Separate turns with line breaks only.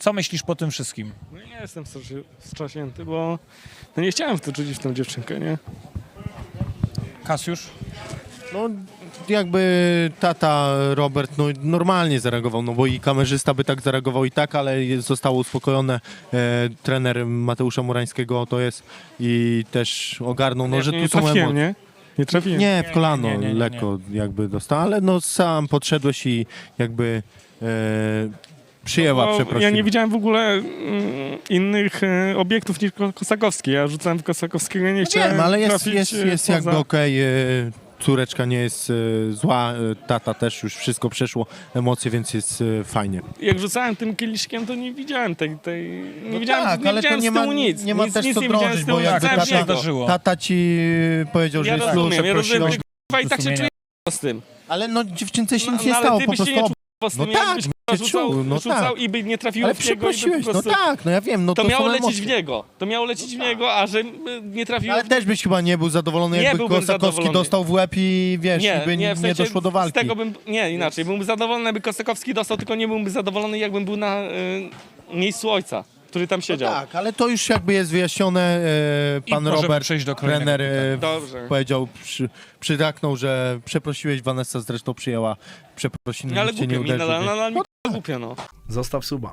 Co myślisz po tym wszystkim?
No nie jestem wstrząśnięty, bo no nie chciałem w to czuć w tą dziewczynkę, nie?
Kasiusz?
No jakby tata Robert no, normalnie zareagował, no bo i kamerzysta by tak zareagował i tak, ale zostało uspokojone. Trener Mateusza Murańskiego to jest i też ogarnął, no, że
nie
tu są
trafiłem,
emocje.
nie? Nie trafiłem.
Nie, w kolano
nie.
lekko jakby dostał, ale no sam podszedłeś i jakby przyjęła
Bo
przeprosiny.
ja nie widziałem w ogóle innych obiektów niż Kosakowski. Ja rzucałem w Kosakowskiego i nie chciałem
Wiem, ale
trafić
jest
poza.
jakby okej. Córeczka nie jest zła, tata też już wszystko przeszło, emocje, więc jest fajnie.
Jak rzucałem tym kieliszkiem, to nie widziałem nie widziałem,
tak,
nie
ale to
widziałem
nie
z tyłu
ma,
nic.
nie ma
nic,
też
nic
co
nie widziałem
drążyć,
z tyłu,
bo jakby
rzucałem w
się
niego.
zdarzyło.
tata ci powiedział, że
Ja
jest
rozumiem, ja rozumiem,
przeprosił.
i tak się
sumienia.
czuję z tym.
Ale no dziewczynce się nic
No,
nie
ale
stało,
ty
po
byś się
prostu.
nie czuł z
No
tym,
tak,
jakbyś
się
rzucał,
czuł, no
rzucał
tak.
i by nie trafiło
Ale
w niego i by po
przeprosiłeś, no
prostu...
tak, no ja wiem, no
To
to
miało
są
lecieć
emocje.
w niego. To miało lecieć w niego, a że nie trafiło
Ale też byś chyba nie był zadowolony,
Nie
jakby
byłbym
Kosakowski
zadowolony.
dostał w łeb i wiesz,
Nie,
i by
nie, w sensie
doszło do walki.
Z tego nie, inaczej. Byłbym zadowolony, jakby Kosakowski dostał, tylko nie byłbym zadowolony, jakbym był na miejscu ojca, który tam siedział.
Tak, ale to już jakby jest wyjaśnione.
I
Pan
możemy
Robert,
przejść do kolejnego
trener,
Dobrze.
powiedział, przytaknął, że przeprosiłeś, Vanessa zresztą przyjęła przeprosiny,
Ale
nikt cię nie
głupio mi,
uderzył.
nadal mi głupio, no.
Zostaw suba.